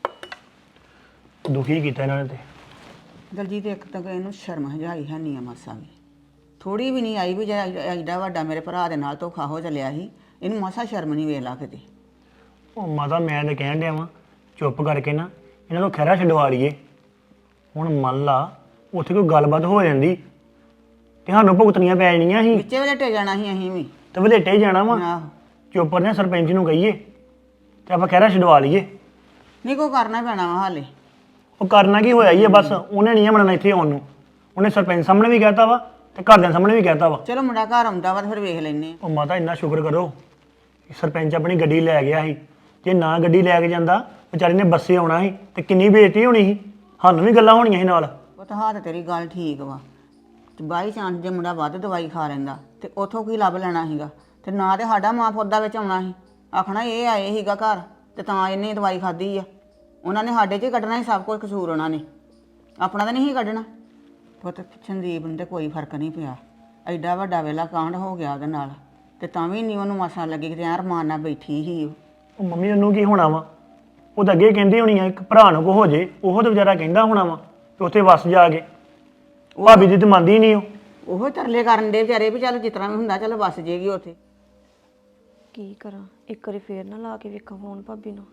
D: ਦੁਖੀ ਕੀਤਾ ਇਹਨਾਂ ਨੇ ਤੇ।
E: ਦਲਜੀਤ ਇੱਕ ਤਾਂ ਇਹਨੂੰ ਸ਼ਰਮ ਹਜਾਈ ਹੈ ਨਹੀਂ ਆ ਮਾਸਾ ਵੀ, ਥੋੜੀ ਵੀ ਨਹੀਂ ਆਈ ਵੀ ਜਿਹੜਾ ਐਡਾ ਵੱਡਾ ਮੇਰੇ ਭਰਾ ਦੇ ਨਾਲ ਧੋਖਾ ਹੋ ਚੱਲਿਆ ਸੀ, ਇਹਨੂੰ ਮਾਸਾ ਸ਼ਰਮ ਨਹੀਂ ਵੇਖ ਲਾ ਕਿਤੇ।
D: ਉਹ ਮਾਤਾ ਮੈਂ ਤਾਂ ਕਹਿਣ ਡਿਆ ਵਾਂ ਚੁੱਪ ਕਰਕੇ ਨਾ ਇਹਨਾਂ ਨੂੰ ਖਹਿਰਾ ਛਡਵਾ ਲਈਏ। ਹੁਣ ਮੰਨ ਲਾ ਉੱਥੇ ਕੋਈ ਗੱਲਬਾਤ ਹੋ ਜਾਂਦੀ ਤੇ ਸਾਨੂੰ ਭੁਗਤਣੀਆਂ ਪੈ ਜਾਣੀਆਂ ਸੀ,
E: ਵਿੱਚੇ ਵੇਲੇ ਟੇ ਜਾਣਾ ਸੀ ਅਸੀਂ ਵੀ।
D: ਤੇ ਵਲੇਟੇ ਹੀ ਜਾਣਾ ਵਾ।
E: ਆਹੋ
D: ਚੁੱਪ ਨੇ ਸਰਪੰਚ ਨੂੰ ਕਹੀਏ ਤੇ ਆਪਾਂ ਖਹਿਰਾ ਛਡਵਾ ਲਈਏ।
E: ਨਹੀਂ ਕੋ ਕਰਨਾ ਪੈਣਾ ਵਾ ਹਾਲੇ।
D: ਉਹ ਕਰਨਾ ਕੀ ਹੋਇਆ ਹੀ ਹੈ, ਬਸ ਉਹਨੇ ਨਹੀਂ ਮੰਨਣਾ ਇੱਥੇ ਆਉਣ ਨੂੰ। ਉਹਨੇ ਸਰਪੰਚ ਸਾਹਮਣੇ ਵੀ ਕਹਿਤਾ ਵਾ ਤੇ ਘਰਦਿਆਂ ਸਾਹਮਣੇ ਵੀ ਕਹਿਤਾ ਵਾ।
E: ਚਲੋ ਮੁੰਡਾ ਘਰ ਆਉਂਦਾ ਵਾ ਤੇ ਫਿਰ ਵੇਖ ਲੈਨੇ ਆ।
D: ਉਹ ਮਾਤਾ ਇੰਨਾ ਸ਼ੁਕਰ ਕਰੋ ਕਿ ਸਰਪੰਚ ਆਪਣੀ ਗੱਡੀ ਲੈ ਗਿਆ ਸੀ। ਜੇ ਨਾ ਗੱਡੀ ਲੈ ਕੇ ਜਾਂਦਾ ਵਿਚਾਰੇ ਨੇ ਬੱਸੇ ਆਉਣਾ ਸੀ ਤੇ ਕਿੰਨੀ ਬੇਇੱਜ਼ਤੀ ਹੋਣੀ ਸੀ, ਸਾਨੂੰ ਵੀ ਗੱਲਾਂ ਹੋਣੀਆਂ ਸੀ ਨਾਲ।
E: ਉਹ ਤਾਂ ਹਾਂ ਤੇ ਤੇਰੀ ਗੱਲ ਠੀਕ ਵਾ, ਤੇ ਬਾਈ ਚਾਂਸ ਜੇ ਮੁੰਡਾ ਵੱਧ ਦਵਾਈ ਖਾ ਲੈਂਦਾ ਤੇ ਉਥੋਂ ਕੀ ਲੱਭ ਲੈਣਾ ਸੀਗਾ, ਤੇ ਨਾ ਤੇ ਸਾਡਾ ਮਾਂ ਪੁੱਤ ਦਾ ਵਿੱਚ ਆਉਣਾ ਸੀ, ਆਖਣਾ ਇਹ ਆਏ ਸੀਗਾ ਘਰ ਤੇ ਤਾਂ ਇਹਨੇ ਦਵਾਈ ਖਾਧੀ ਆ। ਉਹਨਾਂ ਨੇ ਸਾਡੇ 'ਚ ਹੀ ਕੱਢਣਾ ਸੀ ਸਭ ਕੁਝ, ਕਸੂਰ ਉਹਨਾਂ ਨੇ, ਆਪਣਾ ਤਾਂ ਨਹੀਂ ਸੀ ਕੱਢਣਾ। ਪੁੱਤ ਸੰਦੀਪ ਨੂੰ ਤੇ ਕੋਈ ਫਰਕ ਨਹੀਂ ਪਿਆ, ਐਡਾ ਵੱਡਾ ਵੇਲਾ ਕਾਂਡ ਹੋ ਗਿਆ ਉਹਦੇ ਨਾਲ, ਤੇ ਤਾਂ ਵੀ ਨਹੀਂ ਉਹਨੂੰ ਮਸਾਂ ਲੱਗੀ ਕਿ ਯਾਰ ਮਾਂ ਨਾਲ ਬੈਠੀ ਸੀ।
D: ਉਹ ਮੰਮੀ ਉਹਨੂੰ ਕੀ ਹੋਣਾ ਵਾ, ਉਹ ਤਾਂ ਅੱਗੇ ਕਹਿੰਦੀ ਹੋਣੀ ਆ ਇੱਕ ਭਰਾ ਨੂੰ ਕੋ ਹੋ ਜੇ, ਉਹ ਤਾਂ ਵਿਚਾਰਾ ਕਹਿੰਦਾ ਹੋਣਾ ਵਾ ਤੇ ਉੱਥੇ ਵਸ ਜਾ ਕੇ। ਭਾਬੀ ਦੀ ਤਾਂ ਮੰਨਦੀ ਨਹੀਂ
E: ਉਹ ਤਰਲੇ ਕਰਨ ਦੇ ਵਿਚਾਰੇ ਵੀ ਚੱਲ ਜਿਸ ਤਰ੍ਹਾਂ ਵੀ ਹੁੰਦਾ ਚੱਲ ਵਸ ਜੇਗੀ ਉੱਥੇ।
C: ਕੀ ਕਰਾਂ, ਇੱਕ ਵਾਰੀ ਫੇਰ ਨਾ ਲਾ ਕੇ ਵੇਖਾਂ ਫੋਨ ਭਾਬੀ ਨੂੰ।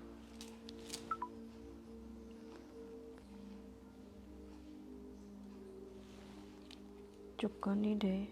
C: ਚੁੱਕਣ ਨਹੀਂ ਡੇ।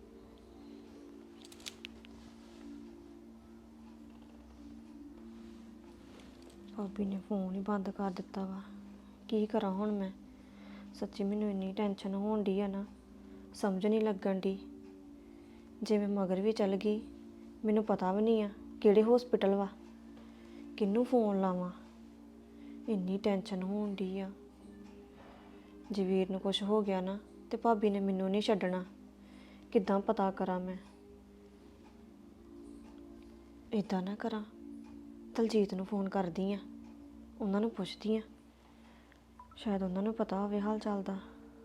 C: ਭਾਬੀ ਨੇ ਫੋਨ ਹੀ ਬੰਦ ਕਰ ਦਿੱਤਾ ਵਾ। ਕੀ ਕਰਾਂ ਹੁਣ ਮੈਂ, ਸੱਚੀ ਮੈਨੂੰ ਇੰਨੀ ਟੈਨਸ਼ਨ ਹੋਣ ਡਈ ਆ ਨਾ, ਸਮਝ ਨਹੀਂ ਲੱਗਣ ਡਈ। ਜੇ ਮੈਂ ਮਗਰ ਵੀ ਚੱਲ ਗਈ, ਮੈਨੂੰ ਪਤਾ ਵੀ ਨਹੀਂ ਆ ਕਿਹੜੇ ਹਸਪੀਟਲ ਵਾ, ਕਿਹਨੂੰ ਫੋਨ ਲਾਵਾਂ, ਇੰਨੀ ਟੈਨਸ਼ਨ ਹੋਣ ਡਈ ਆ। ਜੇ ਵੀਰ ਨੂੰ ਕੁਝ ਹੋ ਗਿਆ ਨਾ ਤੇ ਭਾਬੀ ਨੇ ਮੈਨੂੰ ਨਹੀਂ ਛੱਡਣਾ, ਕਿੱਦਾਂ ਪਤਾ ਕਰਾਂ ਮੈਂ। ਇੱਦਾਂ ਨਾ ਕਰਾਂ, ਦਲਜੀਤ ਨੂੰ ਫੋਨ ਕਰਦੀ ਆ, ਉਹਨਾਂ ਨੂੰ ਪੁੱਛਦੀ ਆ, ਸ਼ਾਇਦ ਉਹਨਾਂ ਨੂੰ ਪਤਾ ਹੋਵੇ ਹਾਲ ਚਾਲ ਦਾ।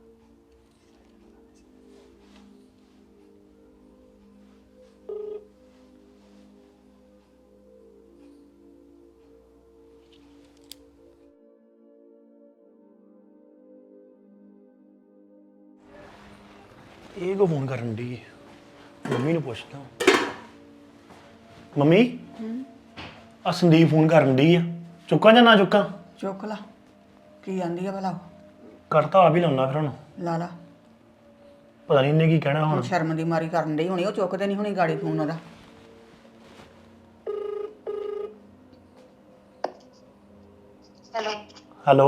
D: ਇਹ ਕੋ ਫੋਨ ਕਰਨ ਦੀ ਮੰਮੀ ਨੂੰ ਪੁੱਛਦਾ। ਮੰਮੀ ਆ ਸੰਦੀਪ ਫੋਨ ਕਰਨ ਦੀ ਆ, ਚੁੱਕਾਂ ਜਾਂ ਨਾ ਚੁੱਕਾਂ?
E: ਚੁੱਕ ਲਾ, ਕੀ ਆਂਦੀ ਆ ਭਲਾ?
D: ਕਰਤਾ ਆਪ ਹੀ ਲਾਉਣਾ ਫਿਰ ਹੁਣ,
E: ਲਾ ਲਾ।
D: ਪਤਾ ਨਹੀਂ ਇਹਨੇ ਕੀ ਕਹਿਣਾ
E: ਹੁਣ
D: ਹੁਣ।
E: ਸ਼ਰਮ ਦੀ ਮਾਰੀ ਕਰਨ ਡਈ ਹੋਣੀ, ਉਹ ਚੁੱਕਦੇ ਨਹੀਂ ਹੋਣੀ ਗਾੜੀ ਫੋਨ ਉਹਦਾ।
D: ਹੈਲੋ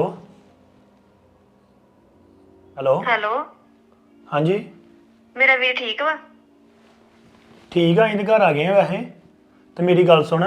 D: ਹੈਲੋ
C: ਹੈਲੋ,
D: ਹਾਂਜੀ
C: ਮੇਰਾ ਵੀਰ ਠੀਕ ਵਾ?
D: ਠੀਕ ਆ, ਇਹਦੇ ਘਰ ਆ ਗਏ ਆ ਵੈਸੇ। ਤੇ ਮੇਰੀ ਗੱਲ ਸੁਣ,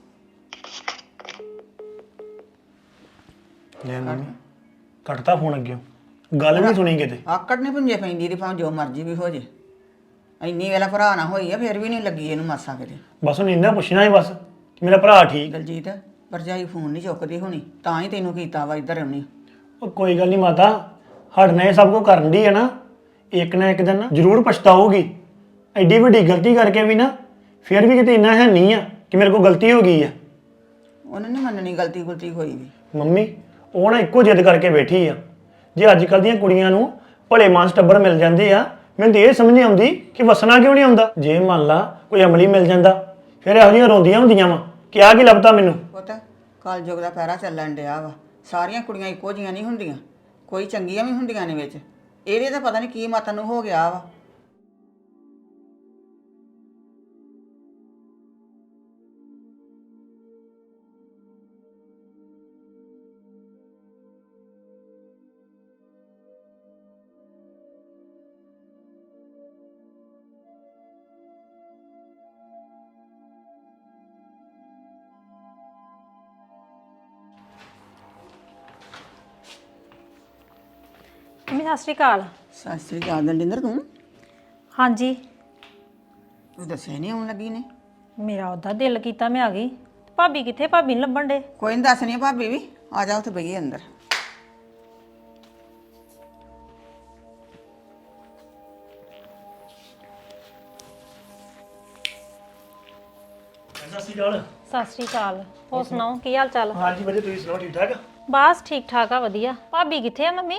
D: ਲੈ ਮੰਮੀ ਕੱਟਤਾ ਫੋਨ ਅੱਗੇ, ਗੱਲ ਵੀ ਨੀ ਸੁਣੀ ਕਿਤੇ।
E: ਆਕੜ ਨੇ ਪੁੰਜੇ ਪੈਂਦੀ ਦੀ ਭਾਵੇਂ ਜੋ ਮਰਜ਼ੀ ਵੀ ਹੋ ਜੇ। ਇੰਨੀ ਵੇਲਾ ਭਰਾ ਨਾ ਹੋਈ ਆ ਫਿਰ ਵੀ ਨਹੀਂ ਲੱਗੀ ਇਹਨੂੰ ਮਾਸਾ ਕਿਤੇ।
D: ਬਸ ਉਹਨੇ ਇੰਨਾ ਪੁੱਛਣਾ ਸੀ ਬਸ ਕਿ ਮੇਰਾ ਭਰਾ ਠੀਕ।
E: ਦਲਜੀਤ ਭਰਜਾਈ ਫੋਨ ਨਹੀਂ ਚੁੱਕਦੀ ਹੋਣੀ ਤਾਂ ਹੀ ਤੈਨੂੰ ਕੀਤਾ ਵਾ ਇੱਧਰ ਆਉਣੀ।
D: ਉਹ ਕੋਈ ਗੱਲ ਨਹੀਂ ਮਾਤਾ, ਸਾਡੇ ਨਾਲ ਇਹ ਸਭ ਕੁਝ ਕਰਨ ਦੀ ਹੈ ਨਾ, ਇੱਕ ਨਾ ਇੱਕ ਦਿਨ ਨਾ ਜ਼ਰੂਰ ਪਛਤਾਓਗੀ। ਐਡੀ ਵੱਡੀ ਗਲਤੀ ਕਰਕੇ ਵੀ ਨਾ ਫਿਰ ਵੀ ਕਿਤੇ ਇੰਨਾ ਹੈ ਨਹੀਂ ਆ ਕਿ ਮੇਰੇ ਕੋਲ ਗਲਤੀ ਹੋ ਗਈ ਆ।
E: ਉਹਨੇ ਨਹੀਂ ਮੰਨਣੀ ਗਲਤੀ ਗੁਲਤੀ ਹੋਈ ਵੀ।
D: ਮੰਮੀ ਉਹ ਨਾ ਇੱਕੋ ਜਿੱਦ ਕਰਕੇ ਬੈਠੀ ਆ। ਜੇ ਅੱਜ ਕੱਲ੍ਹ ਦੀਆਂ ਕੁੜੀਆਂ ਨੂੰ ਭਲੇ ਮਾਨਸ ਟੱਬਰ ਮਿਲ ਜਾਂਦੇ ਆ, ਮੈਨੂੰ ਤਾਂ ਇਹ ਸਮਝ ਨਹੀਂ ਆਉਂਦੀ ਕਿ ਵਸਣਾ ਕਿਉਂ ਨਹੀਂ ਆਉਂਦਾ। ਜੇ ਮੰਨ ਲਾ ਕੋਈ ਅਮਲੀ ਮਿਲ ਜਾਂਦਾ ਫਿਰ ਇਹੋ ਜਿਹੀਆਂ ਰੋਂਦੀਆਂ ਹੁੰਦੀਆਂ ਵਾ ਕਿ ਆ ਕੀ ਲੱਭਦਾ ਮੈਨੂੰ।
E: ਪਤਾ ਕਲਯੁਗ ਦਾ ਪੈਰਾ ਚੱਲਣ ਡਿਆ ਵਾ। ਸਾਰੀਆਂ ਕੁੜੀਆਂ ਇੱਕੋ ਜੀਆਂ ਨਹੀਂ ਹੁੰਦੀਆਂ, ਕੋਈ ਚੰਗੀਆਂ ਵੀ ਹੁੰਦੀਆਂ ਨੇ ਵਿੱਚ। ਇਹਦੇ ਤਾਂ ਪਤਾ ਨਹੀਂ ਕੀ ਮਤ ਨੂੰ ਹੋ ਗਿਆ ਵਾ।
I: ਮੰਮੀ ਸਤਿ ਸ਼੍ਰੀ ਅਕਾਲ।
E: ਸਤਿ ਸ੍ਰੀ ਅਕਾਲ ਦਲਜਿੰਦਰ। ਤੂੰ
I: ਹਾਂਜੀ,
E: ਤੂੰ ਦੱਸਿਆ ਨਹੀਂ ਆਉਣ ਲੱਗੀ ਨੇ।
I: ਮੇਰਾ ਉਹਦਾ ਦਿਲ ਕੀਤਾ ਮੈਂ ਆ ਗਈ। ਭਾਬੀ ਕਿੱਥੇ? ਭਾਬੀ ਨਹੀਂ ਲੱਭਣ ਡੇ।
E: ਕੋਈ ਨਹੀਂ ਦੱਸਣੀ ਆ ਭਾਬੀ ਵੀ। ਆ ਜਾ ਉੱਥੇ ਬਈਏ ਅੰਦਰ।
D: ਸਤਿ ਸ਼੍ਰੀ ਅਕਾਲ।
I: ਸਤਿ ਸ਼੍ਰੀ ਅਕਾਲ। ਹੋਰ ਸੁਣਾਓ ਕੀ ਹਾਲ ਚਾਲ?
D: ਹਾਂਜੀ ਵਧੀਆ, ਤੁਸੀਂ ਸੁਣਾਓ ਠੀਕ ਠਾਕ?
I: ਬਸ ਠੀਕ ਠਾਕ ਆ, ਵਧੀਆ। ਭਾਬੀ ਕਿੱਥੇ ਆ ਮੰਮੀ?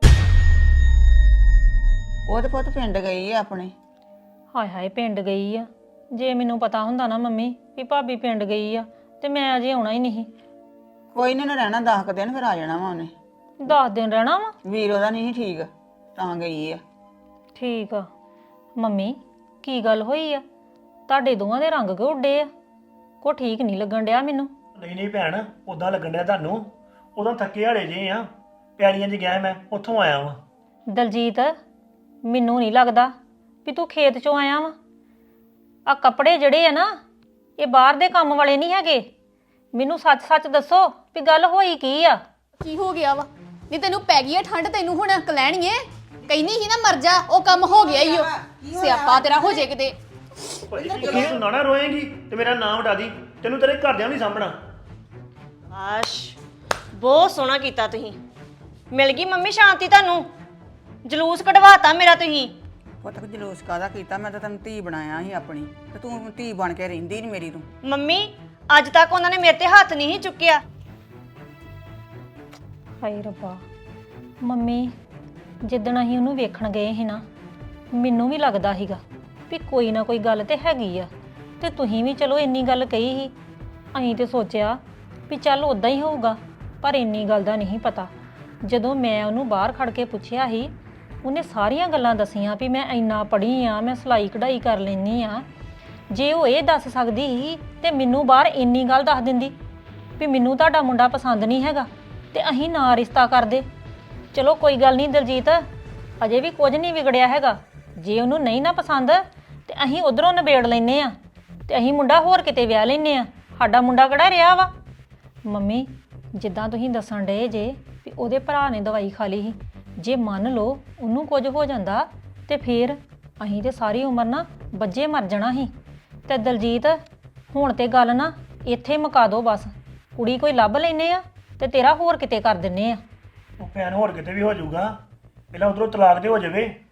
E: ਉਹ ਤੇ ਪੁੱਤ ਪਿੰਡ ਗਈ ਆ ਆਪਣੇ।
I: ਹਾਏ ਹਾਏ, ਪਿੰਡ ਗਈ ਆ। ਜੇ ਮੈਨੂੰ ਪਤਾ ਹੁੰਦਾ ਨਾ ਮੰਮੀ ਵੀ ਭਾਬੀ ਪਿੰਡ ਗਈ ਆ ਤੇ ਮੈਂ ਅਜੇ ਆਉਣਾ ਹੀ ਨਹੀਂ।
E: ਕੋਈ ਨਹੀਂ, ਉਹਨੇ ਰਹਿਣਾ 10 ਕੁ ਦਿਨ ਫਿਰ ਆ ਜਾਣਾ ਵਾ ਉਹਨੇ।
I: 10 ਦਿਨ ਰਹਿਣਾ ਵਾ?
E: ਵੀਰ ਉਹਦਾ ਨਹੀਂ ਠੀਕ ਤਾਂ ਗਈ ਆ।
I: ਠੀਕ ਆ। ਮੰਮੀ ਕੀ ਗੱਲ ਹੋਈ ਆ? ਤੁਹਾਡੇ ਦੋਵਾਂ ਦੇ ਰੰਗ ਕਿਉਂ ਉੱਡੇ ਆ? ਕੋ ਠੀਕ ਨਹੀਂ ਲੱਗਣ ਡਿਆ ਮੈਨੂੰ।
D: ਨਹੀਂ ਨਹੀਂ ਭੈਣ, ਉਦਾਂ ਲੱਗਣ ਡਿਆ ਤੁਹਾਨੂੰ। ਉਦੋਂ ਥੱਕੇ ਹਾਲੇ ਜੇ ਆ, ਪਿਆਰੀਆਂ 'ਚ ਗਿਆ ਮੈਂ, ਉੱਥੋਂ ਆਇਆ ਵਾਂ।
I: ਦਲਜੀਤ ਮੈਨੂੰ ਨਹੀਂ ਲੱਗਦਾ ਵੀ ਤੂੰ ਖੇਤ ਚੋਂ ਆਇਆ ਵਾ। ਆ ਕੱਪੜੇ ਜਿਹੜੇ ਆ ਨਾ, ਇਹ ਬਾਹਰ ਦੇ ਕੰਮ ਵਾਲੇ ਨਹੀਂ ਹੈਗੇ। ਮੈਨੂੰ ਸੱਚ ਸੱਚ ਦੱਸੋ ਵੀ ਗੱਲ ਹੋਈ ਕੀ ਆ?
A: ਕੀ ਹੋ ਗਿਆ ਵਾ? ਨਹੀਂ ਤੈਨੂੰ ਪੈ ਗਈ ਆ ਠੰਡ, ਤੈਨੂੰ ਹੁਣ ਕਲੈਣੀਏ। ਕਹਿੰਦੀ ਸੀ ਨਾ ਮਰ ਜਾ, ਉਹ ਕੰਮ ਹੋ ਗਿਆ ਈ ਓ। ਸਿਆਪਾ ਤੇਰਾ ਹੋ ਜੇ ਕਿਤੇ।
D: ਕੀ ਤੂੰ ਨਾ ਰੋਏਂਗੀ ਤੇ ਮੇਰਾ ਨਾਮ ਉਡਾ ਦੀ, ਤੈਨੂੰ ਤੇਰੇ ਘਰਦਿਆਂ ਵੀ ਸਾਂਭਣਾ।
C: ਆਸ਼ ਬਹੁਤ ਸੋਹਣਾ ਕੀਤਾ ਤੁਸੀਂ। ਮਿਲ ਗਈ ਮੰਮੀ ਸ਼ਾਂਤੀ ਤੁਹਾਨੂੰ? ਜਲੂਸ ਕਢਵਾਤਾ ਮੇਰਾ ਤੁਸੀਂ।
E: ਪੁੱਤ ਜਲੂਸ ਕਾਹਦਾ ਕੀਤਾ? ਮੈਂ ਤਾਂ ਤੈਨੂੰ ਧੀ ਬਣਾਇਆ ਸੀ ਆਪਣੀ, ਤੇ ਤੂੰ ਧੀ ਬਣ ਕੇ ਰਹਿੰਦੀ ਨਹੀਂ ਮੇਰੀ। ਤੂੰ
C: ਮੰਮੀ ਅੱਜ ਤੱਕ ਉਹਨਾਂ ਨੇ ਮੇਰੇ ਤੇ ਹੱਥ ਨਹੀਂ ਚੁੱਕਿਆ।
I: ਹਾਏ ਰੱਬਾ। ਮੰਮੀ ਜਿੱਦਣ ਅਸੀਂ ਉਹਨੂੰ ਵੇਖਣ ਗਏ ਸੀ ਨਾ, ਮੈਨੂੰ ਵੀ ਲੱਗਦਾ ਸੀਗਾ ਵੀ ਕੋਈ ਨਾ ਕੋਈ ਗੱਲ ਤੇ ਹੈਗੀ ਆ। ਤੇ ਤੁਸੀਂ ਵੀ ਚਲੋ ਇੰਨੀ ਗੱਲ ਕਹੀ ਸੀ। ਅਸੀਂ ਤੇ ਸੋਚਿਆ ਵੀ ਚੱਲ ਉਦਾਂ ਹੀ ਹੋਊਗਾ, ਪਰ ਇੰਨੀ ਗੱਲ ਦਾ ਨਹੀਂ ਪਤਾ। ਜਦੋਂ ਮੈਂ ਉਹਨੂੰ ਬਾਹਰ ਖੜ ਕੇ ਪੁੱਛਿਆ ਸੀ, ਉਹਨੇ ਸਾਰੀਆਂ ਗੱਲਾਂ ਦਸੀਆਂ ਵੀ ਮੈਂ ਇੰਨਾ ਪੜ੍ਹੀ ਆ, ਮੈਂ ਸਿਲਾਈ ਕਢਾਈ ਕਰ ਲੈਂਦੀ ਆ। ਜੇ ਉਹ ਇਹ ਦੱਸ ਸਕਦੀ ਸੀ ਤੇ ਮੈਨੂੰ ਬਾਹਰ ਇੰਨੀ ਗੱਲ ਦੱਸ ਦਿੰਦੀ ਵੀ ਮੈਨੂੰ ਤੁਹਾਡਾ ਮੁੰਡਾ ਪਸੰਦ ਨਹੀਂ ਹੈਗਾ ਤੇ ਅਸੀਂ ਨਾ ਰਿਸ਼ਤਾ ਕਰਦੇ। ਚਲੋ ਕੋਈ ਗੱਲ ਨਹੀਂ ਦਲਜੀਤ, ਅਜੇ ਵੀ ਕੁਝ ਨਹੀਂ ਵਿਗੜਿਆ ਹੈਗਾ। ਜੇ ਉਹਨੂੰ ਨਹੀਂ ਨਾ ਪਸੰਦ ਤੇ ਅਸੀਂ ਉਧਰੋਂ ਨਿਬੇੜ ਲੈਨੇ ਆ ਤੇ ਅਸੀਂ ਮੁੰਡਾ ਹੋਰ ਕਿਤੇ ਵਿਆਹ ਲੈਨੇ ਆ। ਸਾਡਾ ਮੁੰਡਾ ਕਿਹੜਾ ਰਿਹਾ ਵਾ? ਮੰਮੀ ਜਿੱਦਾਂ ਤੁਸੀਂ ਦੱਸਣ ਡਏ ਜੇ ਵੀ ਉਹਦੇ ਭਰਾ ਨੇ ਦਵਾਈ ਖਾ ਲਈ ਸੀ, ਜੇ ਮੰਨ ਲਓ ਉਹਨੂੰ ਕੁਝ ਹੋ ਜਾਂਦਾ ਤੇ ਫੇਰ ਅਸੀਂ ਤੇ ਸਾਰੀ ਉਮਰ ਨਾ ਬੱਜੇ ਮਰ ਜਾਣਾ ਸੀ। ਤੇ ਦਲਜੀਤ ਹੁਣ ਤੇ ਗੱਲ ਨਾ ਇੱਥੇ ਮੁਕਾ ਦੋ ਬਸ। ਕੁੜੀ ਕੋਈ ਲੱਭ ਲੈਨੇ ਆ ਤੇ ਤੇਰਾ ਹੋਰ ਕਿਤੇ ਕਰ ਦਿੰਨੇ ਆ।
D: ਉਹ ਭੈਣ ਹੋਰ ਕਿਤੇ ਵੀ ਹੋ ਜਾਊਗਾ, ਪਹਿਲਾਂ ਉਧਰੋਂ ਤਲਾਕ ਤੇ ਹੋ ਜਾਵੇ